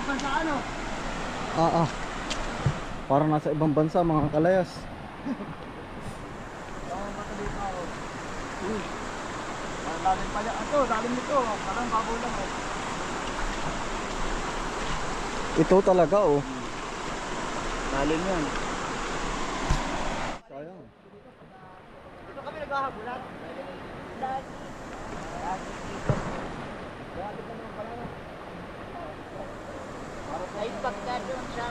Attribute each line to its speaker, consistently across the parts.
Speaker 1: bansa ano?
Speaker 2: Parang nasa ibang bansa mga kalayas.
Speaker 1: Lalim pala. Ito, lalim nito. Parang babaw lang eh.
Speaker 2: Ito talaga oh.
Speaker 1: Lalim yan.
Speaker 2: Sayang.
Speaker 1: Dito kami naghahabulan. Ay, pagka doon sa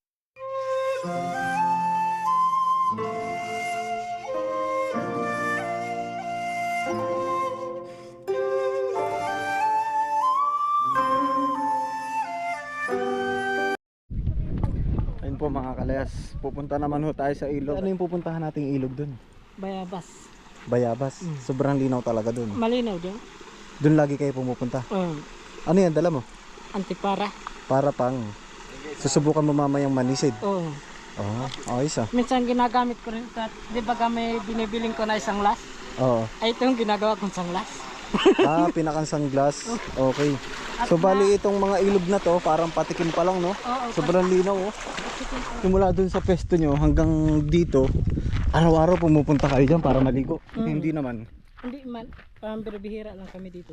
Speaker 2: Ayun po mga kalayas. Pupunta naman ho tayo sa ilog. Ano yung pupuntahan nating ilog dun?
Speaker 3: Bayabas.
Speaker 2: Bayabas. Sobrang linaw talaga dun.
Speaker 3: Malinaw din.
Speaker 2: Dun lagi kayo pumupunta.
Speaker 3: Oh,
Speaker 2: Ano yan dala mo?
Speaker 3: antipara.
Speaker 2: Para pang susubukan mo mamayang manisid.
Speaker 3: Oh.
Speaker 2: Ayos ah.
Speaker 3: Minsan ginagamit ko rin ito. Di ba may binibiling ko na isang las?
Speaker 2: Oo.
Speaker 3: Ay, ito yung ginagawa kong isang las.
Speaker 2: Pinakansang glass. Okay. So bali itong mga ilog na to, parang patikim pa lang no?
Speaker 3: Oo.
Speaker 2: Sobrang linaw oh. Simula dun sa pesto nyo hanggang dito, araw-araw pumupunta kayo dyan para maligo. Hindi naman.
Speaker 3: Hindi man. Parang bihira lang kami dito.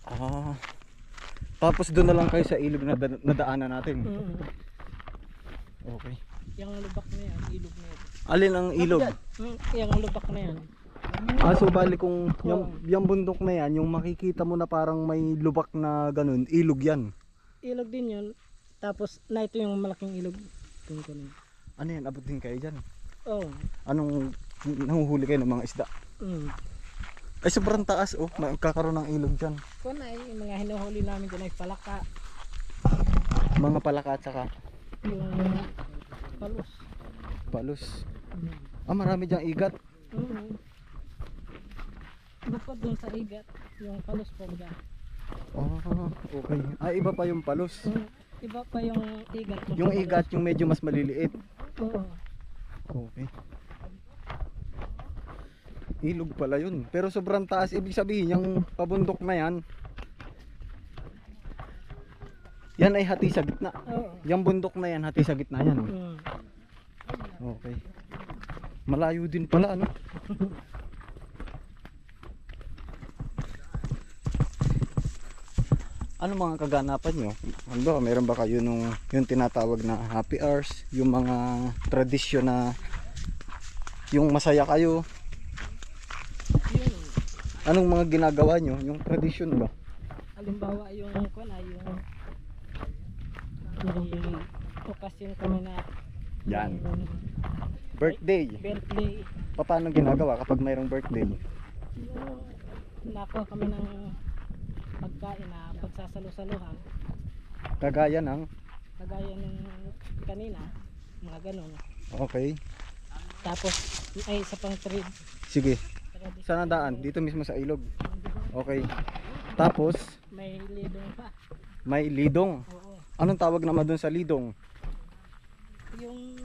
Speaker 2: Tapos doon na lang kayo sa ilog na nadaanan natin. Okay.
Speaker 3: Yung lubak na yan, ilog na yan.
Speaker 2: Alin ang ilog?
Speaker 3: Yung lubak na yan.
Speaker 2: So bali kung yung bundok na yan, yung makikita mo na parang may lubak na ganun, ilog yan.
Speaker 3: Ilog din yun. Tapos na ito yung malaking ilog.
Speaker 2: Ano yan, abot din kayo dyan?
Speaker 3: Oo.
Speaker 2: Anong nanguhuli kayo ng mga isda? Ay sobrang taas oh, magkakaroon ng ilog dyan.
Speaker 3: Kung ay yung mga hinuhuli namin dyan ay palaka.
Speaker 2: Mga palaka at saka
Speaker 3: Yung palos.
Speaker 2: palos. Marami dyang igat.
Speaker 3: Bukod dun sa igat, yung palos po ba?
Speaker 2: Okay. Iba pa yung palos.
Speaker 3: Iba pa yung igat.
Speaker 2: Yung igat yung medyo mas maliliit.
Speaker 3: Oo.
Speaker 2: Okay. Ilog pala yun. Pero sobrang taas. Ibig sabihin yung pabundok na yan, yan ay hati sa gitna.
Speaker 3: Oo.
Speaker 2: Yung bundok na yan, hati sa gitna yan. Okay. Malayo din pala ano. Ano mga kaganapan nyo? Ano, meron ba kayo yung tinatawag na happy hours? Yung mga tradisyon na yung masaya kayo? Anong mga ginagawa nyo? Yung tradisyon ba?
Speaker 3: Halimbawa yung may okasyon kami na
Speaker 2: Yan. Birthday.
Speaker 3: birthday.
Speaker 2: Paano ginagawa kapag mayroong birthday?
Speaker 3: Nakuha kami ng pagkain na pagsasalo-saluhan.
Speaker 2: Kagaya ng?
Speaker 3: Kagaya ng kanina, mga ganun.
Speaker 2: Okay.
Speaker 3: Tapos ay isa pang trade.
Speaker 2: Sige. Saan ang daan? Dito mismo sa ilog. Okay. Tapos
Speaker 3: May lidong pa.
Speaker 2: may lidong.
Speaker 3: Oo.
Speaker 2: Anong tawag naman doon sa lidong?
Speaker 3: Yung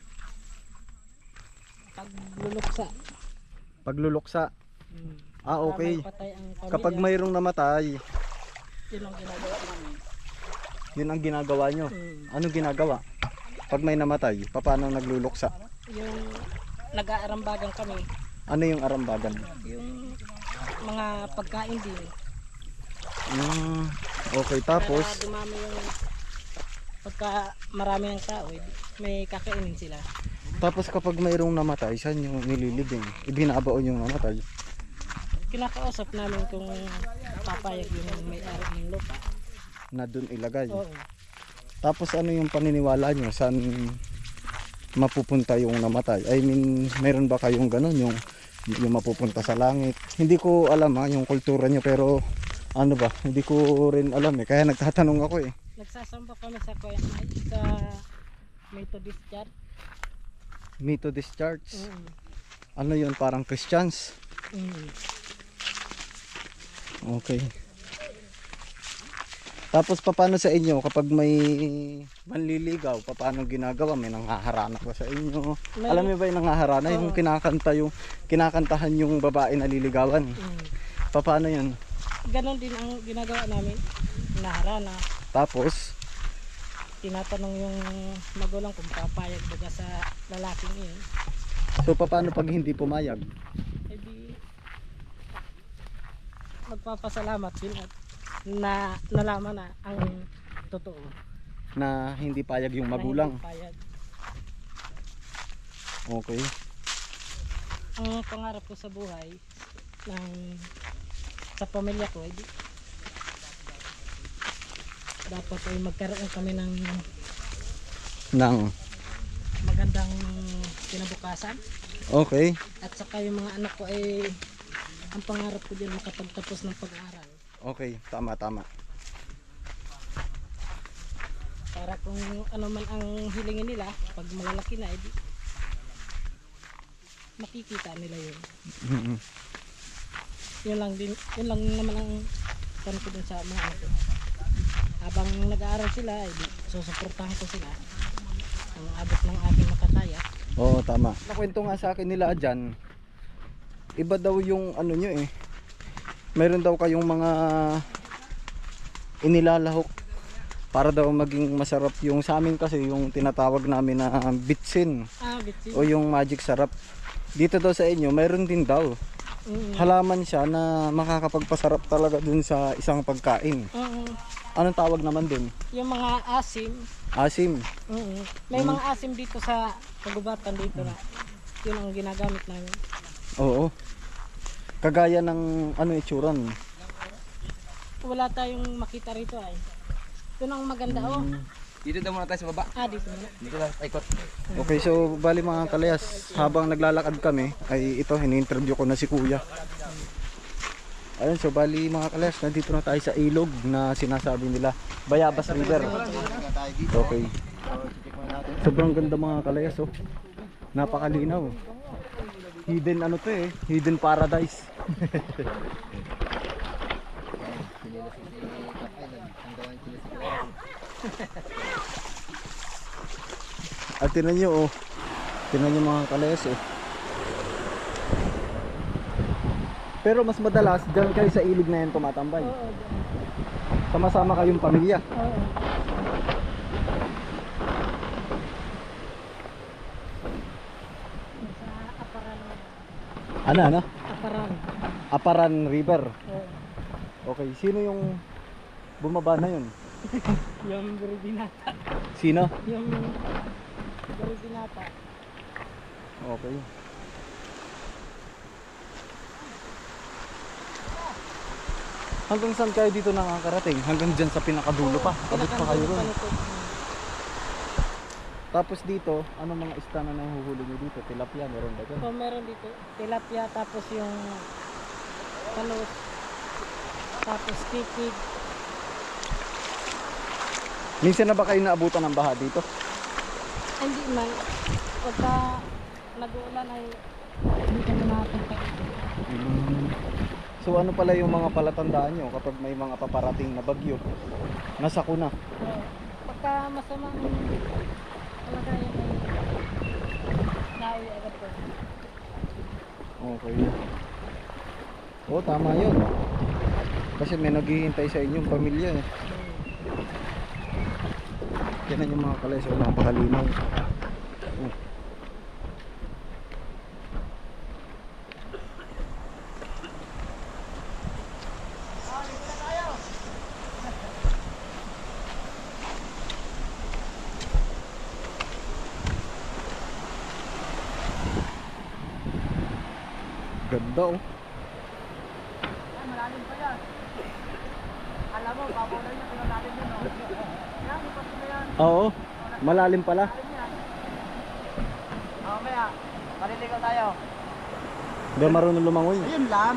Speaker 3: pagluluksa.
Speaker 2: Pagluluksa. Okay.
Speaker 3: Para maipatay ang pamilya.
Speaker 2: Kapag mayroong namatay,
Speaker 3: Yun ang ginagawa namin.
Speaker 2: yun ang ginagawa nyo. Anong ginagawa? Pag may namatay, paano nagluluksa?
Speaker 3: Yung nag-aarambagan kami.
Speaker 2: Ano yung arambagan?
Speaker 3: Yung mga pagkain din.
Speaker 2: Okay, tapos
Speaker 3: Para dumami yung pagka marami ng tao, may kakainin sila.
Speaker 2: tapos kapag mayroong namatay, saan yung nililibing? Ibinabaon yung namatay.
Speaker 3: Kinakausap namin kung papayag yung may-ari ng lupa.
Speaker 2: Na doon ilagay.
Speaker 3: Oo.
Speaker 2: Tapos ano yung paniniwala nyo? Saan mapupunta yung namatay? I mean, meron ba kayong ganun? Yung mapupunta sa langit? Hindi ko alam yung kultura nyo, pero ano ba? Hindi ko rin alam Kaya nagtatanong ako
Speaker 3: Nagsasamba kami sa sa Methodist Church.
Speaker 2: Methodist Church. Ano yun? Parang Christians? Okay. Tapos paano sa inyo kapag may manliligaw, paano ginagawa? May nanghaharana ba sa inyo? Alam mo ba yung nanghaharana? Yung kinakantahan yung babae na liligawan. Paano yun?
Speaker 3: Ganon din ang ginagawa namin. Naharana.
Speaker 2: Tapos
Speaker 3: tinatanong yung magulang kung papayag baga sa lalaking yun.
Speaker 2: So paano pag hindi pumayag?
Speaker 3: Eh di, magpapasalamat din at na nalaman na ang totoo.
Speaker 2: Na hindi payag yung
Speaker 3: Na
Speaker 2: magulang.
Speaker 3: hindi payag.
Speaker 2: Okay.
Speaker 3: Ang pangarap ko sa buhay sa pamilya ko, edi, dapat ay magkaroon kami ng
Speaker 2: Nang.
Speaker 3: magandang kinabukasan.
Speaker 2: Okay.
Speaker 3: At saka yung mga anak ko ay ang pangarap ko din makapagtapos ng pag-aaral.
Speaker 2: Okay, tama.
Speaker 3: Para kung ano man ang hilingin nila, pag malalaki na, edi, makikita nila yun.
Speaker 2: Mhm.
Speaker 3: Yun lang naman ang tanong ko dun sa mga anak ko. Habang nag-aaral sila, edi, susuportahan ko sila ang abot ng aking makakaya.
Speaker 2: Oo, tama. Nakwento nga sa akin nila dyan, iba daw yung ano nyo eh. Meron daw kayong mga inilalahok para daw maging masarap yung sa amin kasi yung tinatawag namin na bitsin
Speaker 3: Bitsin.
Speaker 2: o yung magic sarap. Dito daw sa inyo, mayroon din daw. Halaman siya na makakapagpasarap talaga dun sa isang pagkain. Anong tawag naman dun?
Speaker 3: Yung mga asim.
Speaker 2: Asim.
Speaker 3: May mga asim dito sa kagubatan dito na yun ang ginagamit namin.
Speaker 2: Oo. Kagaya ng ano itsura nun?
Speaker 3: Wala tayong makita rito ay. Yun ang maganda
Speaker 1: Dito daw muna tayo sa baba.
Speaker 3: dito muna.
Speaker 1: Dito tayo ikot.
Speaker 2: Okay, so bali mga kalayas, habang naglalakad kami ay ito, ini-interview ko na si Kuya. Ayun, so bali mga kalayas, nandito na tayo sa ilog na sinasabi nila, Bayabas River. Okay. Sobrang ganda mga kalayas, oh. Napakalinaw. Hidden ano to eh, hidden paradise. At tinan nyo oh, tinan nyo mga kalayas oh. Pero mas madalas dyan kayo sa ilog na yan tumatambay. Sama-sama kayong pamilya. Ano?
Speaker 3: Aparan.
Speaker 2: Aparan River.
Speaker 3: Oo.
Speaker 2: Okay, sino yung bumaba na yun?
Speaker 3: Yung Buribinata.
Speaker 2: Sino?
Speaker 3: Yung Buribinata.
Speaker 2: Okay. Hanggang saan kayo dito nakakarating? Hanggang dyan sa pinakadulo pa. Abot pa kayo ron. Tapos dito, ano mga isda na nahuhuli nyo dito? Tilapia, meron ba dyan?
Speaker 3: Meron dito. Tilapia, tapos yung palos, tapos kikig.
Speaker 2: Minsan na ba kayo naabutan ng baha dito?
Speaker 3: Hindi man. Pagka nag-uulan ay hindi kami nakapunta.
Speaker 2: So ano pala yung mga palatandaan nyo kapag may mga paparating na bagyo? Nasako na.
Speaker 3: Pagka masamang kalagayan ay nauwi agad po.
Speaker 2: Okay. Oo, tama yun. Kasi may naghihintay sa inyong pamilya eh. Yan yung mga kalay, so napakalinaw. Oh. Ganda oh.
Speaker 1: Malalim pa yan. Alam mo, babaw niya, pinalalim yun. Yan, ipat na yan.
Speaker 2: Oo, malalim pala.
Speaker 1: Mamaya, maliligaw tayo.
Speaker 2: Hindi marunong lumangoy.
Speaker 1: Ayun lang.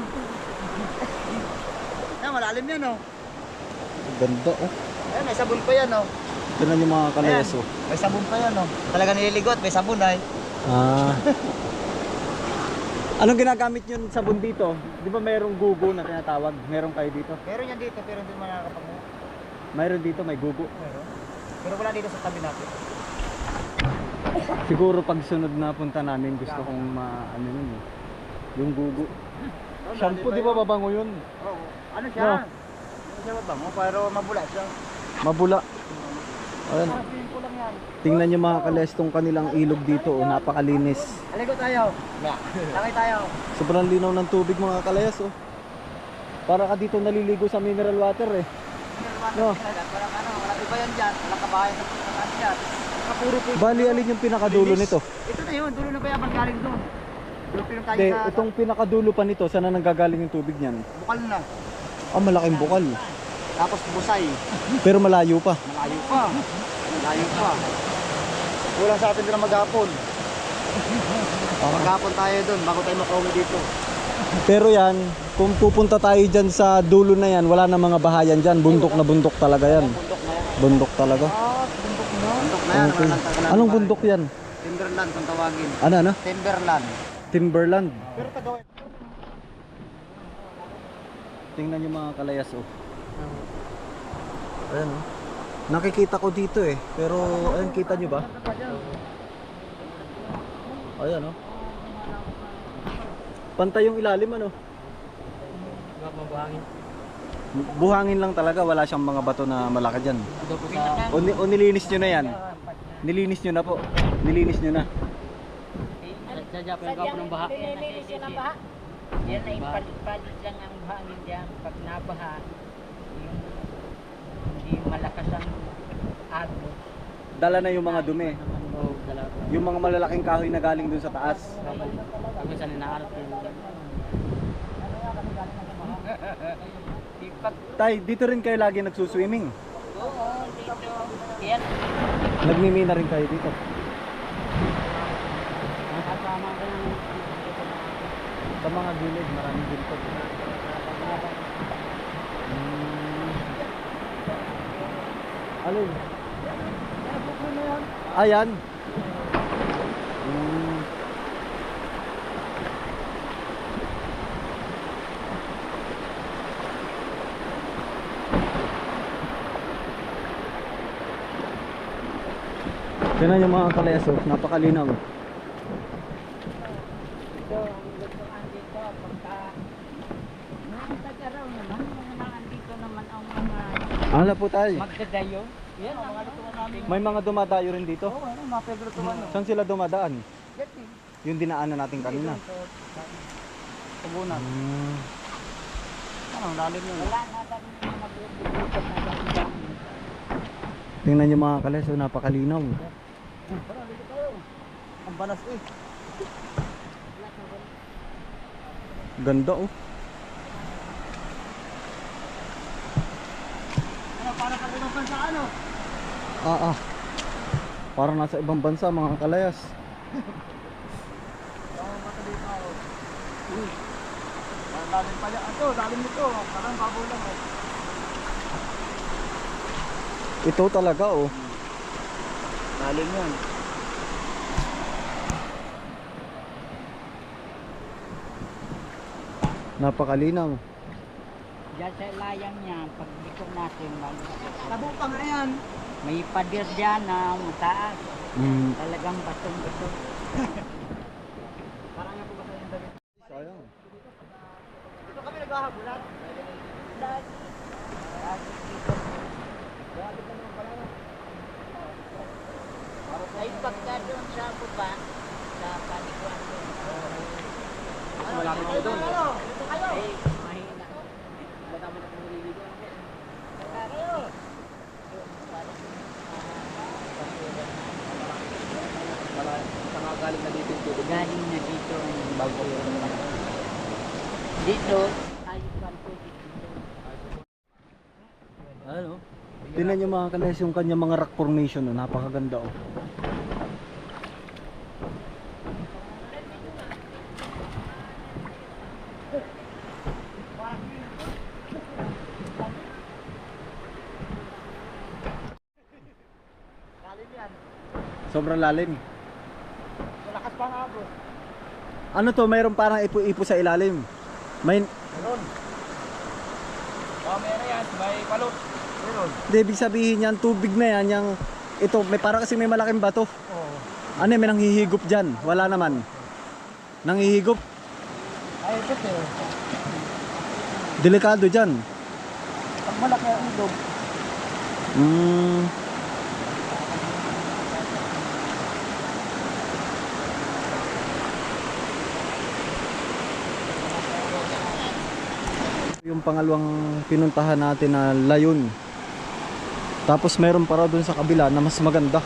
Speaker 1: Yan, malalim yan oh.
Speaker 2: Ganda oh.
Speaker 1: Ayun, may sabon pa yan oh.
Speaker 2: Tignan yung mga kalayas oh.
Speaker 1: May sabon pa yan oh. Talaga nililigot, may sabon ay.
Speaker 2: Ah. Anong ginagamit yun sabon dito? Di ba mayroong gugo na tinatawag? Meron kayo dito?
Speaker 1: Meron yan dito, pero hindi mo nakakapag-mo.
Speaker 2: Mayroon dito, may gugo.
Speaker 1: Meron. Pero wala dito sa tabi natin.
Speaker 2: Siguro pag sunod na punta namin gusto kong ano yun eh. Yung gugo. Shampoo, di ba babango yun?
Speaker 1: Oo. Ano siya? Ano siya mabango? Pero mabula siya.
Speaker 2: Mabula. Ayan.
Speaker 1: Sabihin ko lang yan.
Speaker 2: Tingnan nyo mga kalayas tong kanilang ilog dito. Oh, napakalinis.
Speaker 1: Aligo tayo. Lakay tayo.
Speaker 2: Sobrang linaw ng tubig mga kalayas. Oh. Para ka dito naliligo sa mineral water eh. No.
Speaker 1: Parang ano, walang iba yan dyan. Walang kabahayan sa ano dyan. Kapuro po.
Speaker 2: Bali alin yung pinakadulo nito?
Speaker 1: Ito na yun, dulo na bayaban galing doon. Dulo pinong tayo
Speaker 2: Hindi,
Speaker 1: sa
Speaker 2: itong pinakadulo pa nito, saan na nanggagaling yung tubig niyan?
Speaker 1: bukal na.
Speaker 2: Ah, malaking bukal.
Speaker 1: Tapos busay.
Speaker 2: Pero malayo pa.
Speaker 1: Malayo pa. Malayo pa. Kulang sa atin din na maghapon. Maghapon tayo doon bago tayo makauwi dito.
Speaker 2: Pero yan, kung pupunta tayo dyan sa dulo na yan, wala na mga bahayan dyan. Bundok na bundok talaga yan.
Speaker 1: Bundok na yan.
Speaker 2: Bundok talaga.
Speaker 1: Bundok na yan. Bundok na yan.
Speaker 2: Okay.
Speaker 1: Walang tagalan
Speaker 2: Anong
Speaker 1: pa.
Speaker 2: bundok yan?
Speaker 1: Timberland kung tawagin.
Speaker 2: Ano?
Speaker 1: Timberland.
Speaker 2: Timberland.
Speaker 1: Pero tagawin.
Speaker 2: Tingnan nyo mga kalayas oh. Ayan oh. Nakikita ko dito eh. Pero ayun, kita nyo ba? Ayan oh. Pantay yung ilalim ano. Buhangin lang talaga. Wala siyang mga bato na malaki dyan. O nilinis nyo na yan. Nilinis nyo na po. Nilinis nyo na.
Speaker 3: Sadya pa yung kapo ng baha.
Speaker 4: Nilinis yun ang baha. Yan ay palit-palit lang ang hangin dyan. Pag nabaha, yung hindi malakas ang agos.
Speaker 2: Dala na yung mga dumi.
Speaker 3: Oo, dalawa.
Speaker 2: Yung mga malalaking kahoy na galing dun sa taas.
Speaker 3: Pag minsan inaarap yun.
Speaker 4: Ipag,
Speaker 2: Tay, dito rin kayo lagi nagsuswimming.
Speaker 4: oo, dito. Yan,
Speaker 2: Nagmimina rin kayo dito.
Speaker 3: Kasama ka ng
Speaker 2: Sa mga gilid, maraming ginto. Alin? Ayan. Tingnan yung mga kalayas, oh, napakalinaw.
Speaker 4: dito, ang lutuan dito, pagka, noong tag-araw naman, mga andito naman ang mga
Speaker 2: Ala po tayo.
Speaker 4: magdadayo. Yan, ang mga lutuan namin.
Speaker 2: May mga dumadayo rin dito.
Speaker 1: Oo, ano, mga Pedro Tumano.
Speaker 2: Saan sila dumadaan?
Speaker 1: Gati.
Speaker 2: Yung dinaanan natin kanina.
Speaker 1: Tubunan. Ano, lalim yun.
Speaker 4: Wala na kami mga magbubukot na dami.
Speaker 2: Tingnan nyo mga kalayas, oh, napakalinaw.
Speaker 1: Tara, dito tayo. Ang banas eh.
Speaker 2: Ganda oh.
Speaker 1: Ano, para sa ibang bansa, ano?
Speaker 2: Ah. Parang nasa ibang bansa mga kalayas.
Speaker 1: Oo, mata dito ako. Ang lalim pa yan. Ito, lalim nito. Parang babaw lang eh.
Speaker 2: Ito talaga oh.
Speaker 1: Lalim yan.
Speaker 2: Napakalinaw.
Speaker 4: Diyan sa layang niya, pag liko natin,
Speaker 1: Tabo pa nga yan.
Speaker 4: may pader dyan na mataas. Talagang batong-bato.
Speaker 1: Parang nga po ba sa yung damit?
Speaker 2: Sayang.
Speaker 1: Dito kami naghahabulan.
Speaker 4: Ay pagka doon sa baba, sa paliguan doon.
Speaker 1: Malapit kayo doon. Dito kayo.
Speaker 4: Ay, mahina.
Speaker 1: Galing na dito yung tubig.
Speaker 4: Galing na dito.
Speaker 1: Bago.
Speaker 4: Dito, ayos ang tubig dito.
Speaker 2: Ano? Tingnan nyo mga kalayas yung kanya mga rock formation oh. Napakaganda oh.
Speaker 1: Lalim yan.
Speaker 2: Sobrang lalim.
Speaker 1: Malakas pa nga bro.
Speaker 2: Ano to? Mayroon parang ipo-ipo sa ilalim. May
Speaker 1: Meron. Meron yan. May palot. Meron.
Speaker 2: Hindi, ibig sabihin yan, tubig na yan, yung, ito, may para kasi may malaking bato.
Speaker 1: Oo.
Speaker 2: Ano, may nanghihigop dyan? Wala naman. Nanghihigop?
Speaker 1: Ay, ito eh.
Speaker 2: Delikado dyan.
Speaker 1: Pag malaki ang ilog,
Speaker 2: yung pangalawang pinuntahan natin na layon. Tapos meron pa raw dun sa kabila na mas maganda.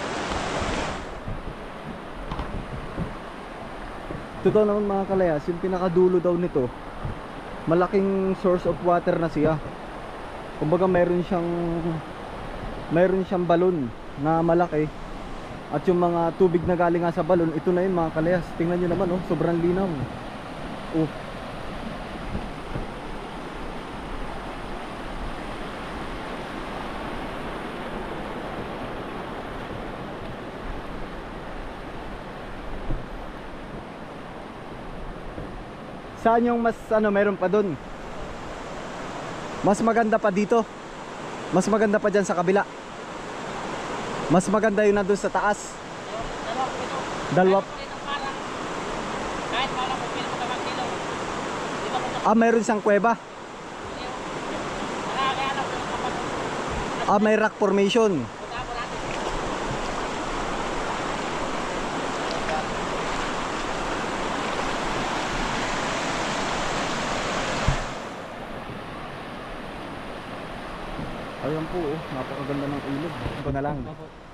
Speaker 2: Ito daw naman mga kalayas, yung pinakadulo daw nito, malaking source of water na siya. Kumbaga meron siyang balon na malaki. At yung mga tubig na galing nga sa balon, ito na yun mga kalayas. Tingnan nyo naman, oh, sobrang linaw. Oh. Saan yung mas meron pa dun? Mas maganda pa dito. Mas maganda pa dyan sa kabila. Mas maganda yun nandun sa taas. Dalawa.
Speaker 3: Kahit wala ko pila mo kilo.
Speaker 2: Mayroon siyang kuweba. May rock formation. Ayan po, oh, napakaganda ng ilog. Ito na lang.